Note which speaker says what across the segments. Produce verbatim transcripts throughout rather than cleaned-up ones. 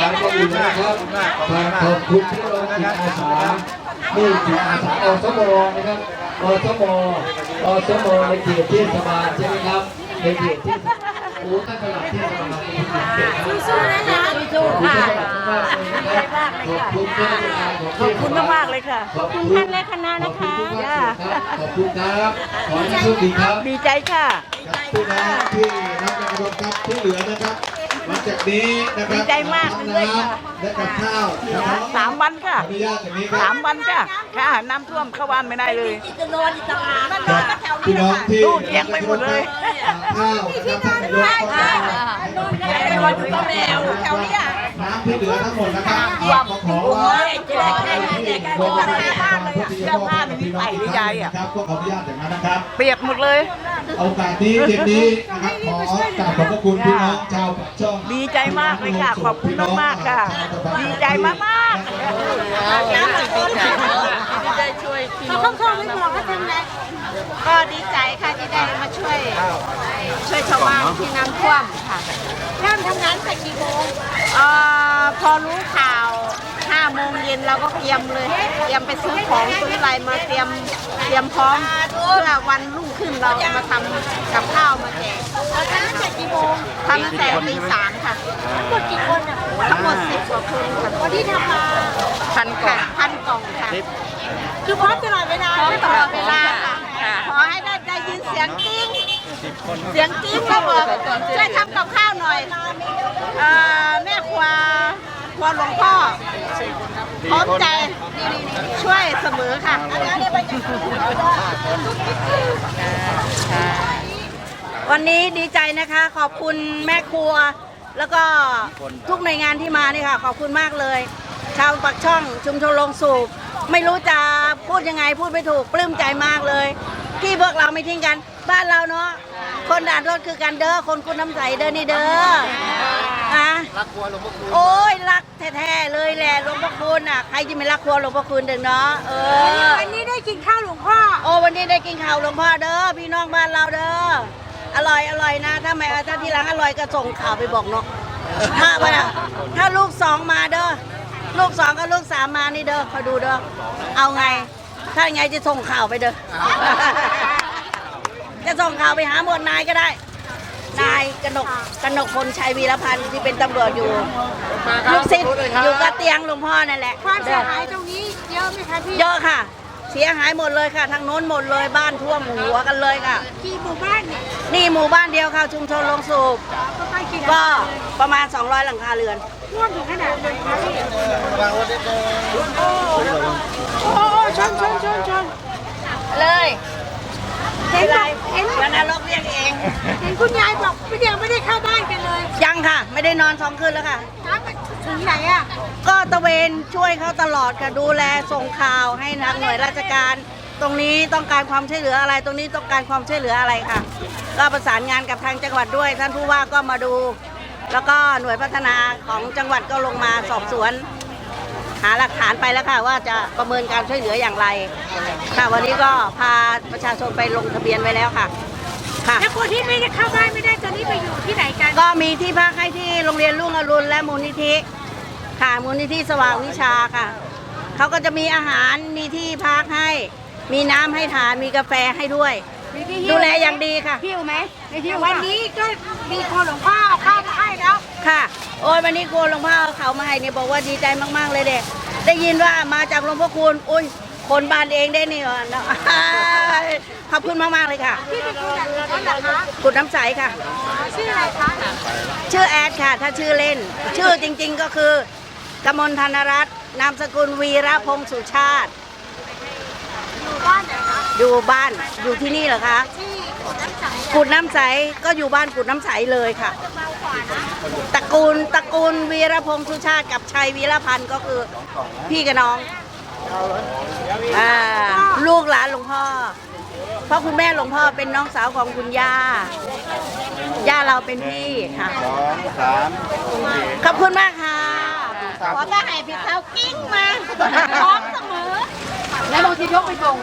Speaker 1: านก็อยู่นะครับขอบคุณที่เราจิตอาสานี่จิตอาสาอสมนะครับอสมอสมในเขตเทศบาลใช่ไหมครับในเขตที่โอ้ท่านประหลัดเทศบาล
Speaker 2: สู้ๆนะคะสู้ๆค่ะ
Speaker 1: ขอบคุณมากเลยค่ะขอบคุณ
Speaker 2: มากๆเลยค่ะขอบคุณท่านและคณะนะคะ
Speaker 1: ขอบคุณครับขอให้โชคดีครับ
Speaker 2: ดีใจค่ะ
Speaker 3: พี่น้องที่รับการรับครับที่เหลือนะครับหลังจากนี้นะครับ
Speaker 2: ดีใจมากเลยค่ะ
Speaker 3: และกับข้าวนะครับ
Speaker 2: สามวันค่ะ
Speaker 3: อนุญาตอย่างนี้ครับ
Speaker 2: สามวันค่ะค่ะน้ำท่วมเข้าบ้านไม่ได้เลย
Speaker 3: พี่น้องที่
Speaker 2: ตู้เตียงไปหมดเลย
Speaker 3: ข้าวนะครับท่านนายกก็ไม่ว่าจะต้องแนวแถวนี้น้ำที่เหลือทั้งหมดนะครับก็ขอว่า
Speaker 2: เสื้อผ้าไม่มีใส่ดีใจอ่ะ
Speaker 3: ครับก็ขออนุญาตอย่างนั้นนะครับ
Speaker 2: เปียกหมดเลย
Speaker 3: โอกาสนี้เย็นนี้นะครับขอกราบขอบพระคุณพี่น้องชาวปากช่อง
Speaker 2: ดีใจมากเลยค่ะขอบคุณมากๆค่ะดีใจมากมากน้ำดีใจดีใจช่วยพี่น้องเขาไม่บอกเขาทำไงก็ดีใจค่ะที่ได้มาช่วยช่วยชาวบ้านที่น้ำท่วมค่ะเริ่มทำงานแต่กี่โมงเอ่อพอรู้ข่าวห้าโมงเย็นเราก็เตรียมเลยเตรียมไปซื้อของซื้ออะไรมาเตรียมเตรียมพร้อมเพื่อวันรุ่งขึ้นเรามาทำกับข้าวมาแจกเราทำตั้งแต่กี่โมงทำตั้งแต่ตีสามค่ะทั้งหมดกี่คนอ่ะทั้งหมดสิบกว่าคนค่ะวันที่ทำมาพันกล่องพันกล่องค่ะคือพร้อมตลอดเวลาพร้อมตลอดเวลาค่ะขอให้ได้ได้ยินเสียงกิ้งเสียงกิ้งก็บอกช่วยทำกับข้าวหน่อยแม่ครัวครัวหลวงพ่อพร้อมใจช่วยเสมอค่ะวันนี้ดีใจนะคะขอบคุณแม่ครัวแล้วก็ทุกหน่วยงานที่มานี่ค่ะขอบคุณมากเลยชาวปากช่องชุมชนโรงสูบไม่รู้จะพูดยังไงพูดไม่ถูกปลื้มใจมากเลยที่พวกเราไม่ทิ้งกันบ้านเราเนาะคนด่านรถคือกันเด้อคนคุณน้ำใสเด้อนี่เด้ออะรักครัวหลวงพ่อคุณโอ้ยรักแท้ๆเลยแหละหลวงพ่อคุณอ่ะใครจะไม่รักครัวหลวงพ่อคุณเด้อเนาะเออวันนี้ได้กินข้าวหลวงพ่อโอ้วันนี้ได้กินข้าวหลวงพ่อเด้อพี่น้องบ้านเราเด้ออร่อยอร่อยนะถ้าไม่ถ้าที่ร้านอร่อยก็ส่งข่าวไปบอกเนาะถ้าไปนะถ้าลูกสองมาเด้อลูกสองกับลูกสามมานี่เด้อคอยดูเด้อเอาไงถ้าไงจะส่งข่าวไปเด้อจะส่งข่าวไปหาหมวดนายก็ได้นายกนกกนกพลชัยวีรพันธ์ที่เป็นตำรวจอยู่ลูกศิษย์อยู่กับเตียงหลวงพ่อนั่นแหละ
Speaker 4: ความเสียหายตรงนี้เยอะไหมคะพี่
Speaker 2: เยอะค่ะเสียหายหมดเลยค่ะทางโน้นหมดเลยบ้านท่วมหัวกันเลยค่ะ
Speaker 4: กี่หมู่บ้านเนี่ย
Speaker 2: นี่หมู่บ้านเดียวค่ะชุมชนโรงสูบก็ประมาณสองร้อยหลังคาเรือน
Speaker 4: ท่วมถึงขนาดไหนคะพี่โอ้โหชนชนชนชน
Speaker 2: เลย
Speaker 4: เห็นไร
Speaker 2: เห็นวันนรกเรียกเอง
Speaker 4: เห็นคุณยายบอกพี่เดียวไม่ได้เข้าบ้านกันเลย
Speaker 2: ยังค่ะไม่ได้นอนสองคืนแล้วค่ะ
Speaker 4: ถึงไหนอ่ะ
Speaker 2: ก็ตะเวนช่วยเขาตลอดค่ะดูแลส่งข่าวให้ทางหน่วยราชการตรงนี้ต้องการความช่วยเหลืออะไรตรงนี้ต้องการความช่วยเหลืออะไรค่ะก็ประสานงานกับทางจังหวัดด้วยท่านผู้ว่าก็มาดูแล้วก็หน่วยพัฒนาของจังหวัดก็ลงมาสอบสวนหาหลักฐานไปแล้วค่ะว่าจะประเมินการช่วยเหลืออย่างไรค่ะวันนี้ก็พาประชาชนไปลงทะเบียนไว้แล้วค่ะ
Speaker 4: ค่ะแล้วคนที่ไม่ได้เข้าบ้านไม่ได้ตอนนี้ไปอยู่ที่ไหนกัน
Speaker 2: ก็มีที่พักให้ที่โรงเรียนรุ่งอรุณและมูลนิธิค่ะมูลนิธิสว่างวิชาค่ะเขาก็จะมีอาหารมีที่พักให้มีน้ำให้ทานมีกาแฟให้ด้วยดูแลอย่างดีค่ะ
Speaker 4: หิวไหมวันนี้ก็มีคนหลวงพ่อเอาข้าวมาให้แล้ว
Speaker 2: ค่ะโอ้ยวันนี้โกหลวงพ่อเอาเขามาให้เนี่ยบอกว่าดีใจมากๆเลยเด็กได้ยินว่ามาจากหลวงพ่อคุณอุ้ยคนบ้านเองได้นี่เหรอขอบคุณมากๆเลยค่ะ
Speaker 4: พี่เป็นคนแบบนั้นเหรอคะ
Speaker 2: กุดน้ำใสค่ะ
Speaker 4: ชื่ออะไรคะ
Speaker 2: ชื่อแอดค่ะถ้าชื่อเล่นชื่อจริงๆก็คือกมลธนรัตน์นามสกุลวีระพงษ์สุชาติ
Speaker 4: อยู่บ้านไหนคะ
Speaker 2: อยู่บ้านอยู่ที่นี่เหรอคะ
Speaker 4: ที่
Speaker 2: กุดน้ำใสก็อยู่บ้านกุดน้ำใสเลยค่ะตระกูลตระกูลวีระพงษ์สุชาติกับชัยวีรพันธ์ก็คือพี่กับน้องอ่าลูกหลานหลวงพ่อเพราะคุณแม่หลวงพ่อเป็นน้องสาวของคุณย่าย่าเราเป็นพี่ค่ะ
Speaker 3: สองสาม
Speaker 2: ขอบคุณมากค่ะขอจะให้พี่เขากิ้งมาพร้อมเสมอแล้วบางทียกไปส่ง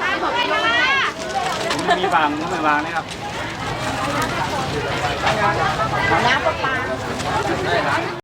Speaker 1: มีวางไม่วางนะครับ
Speaker 2: น้ำปลา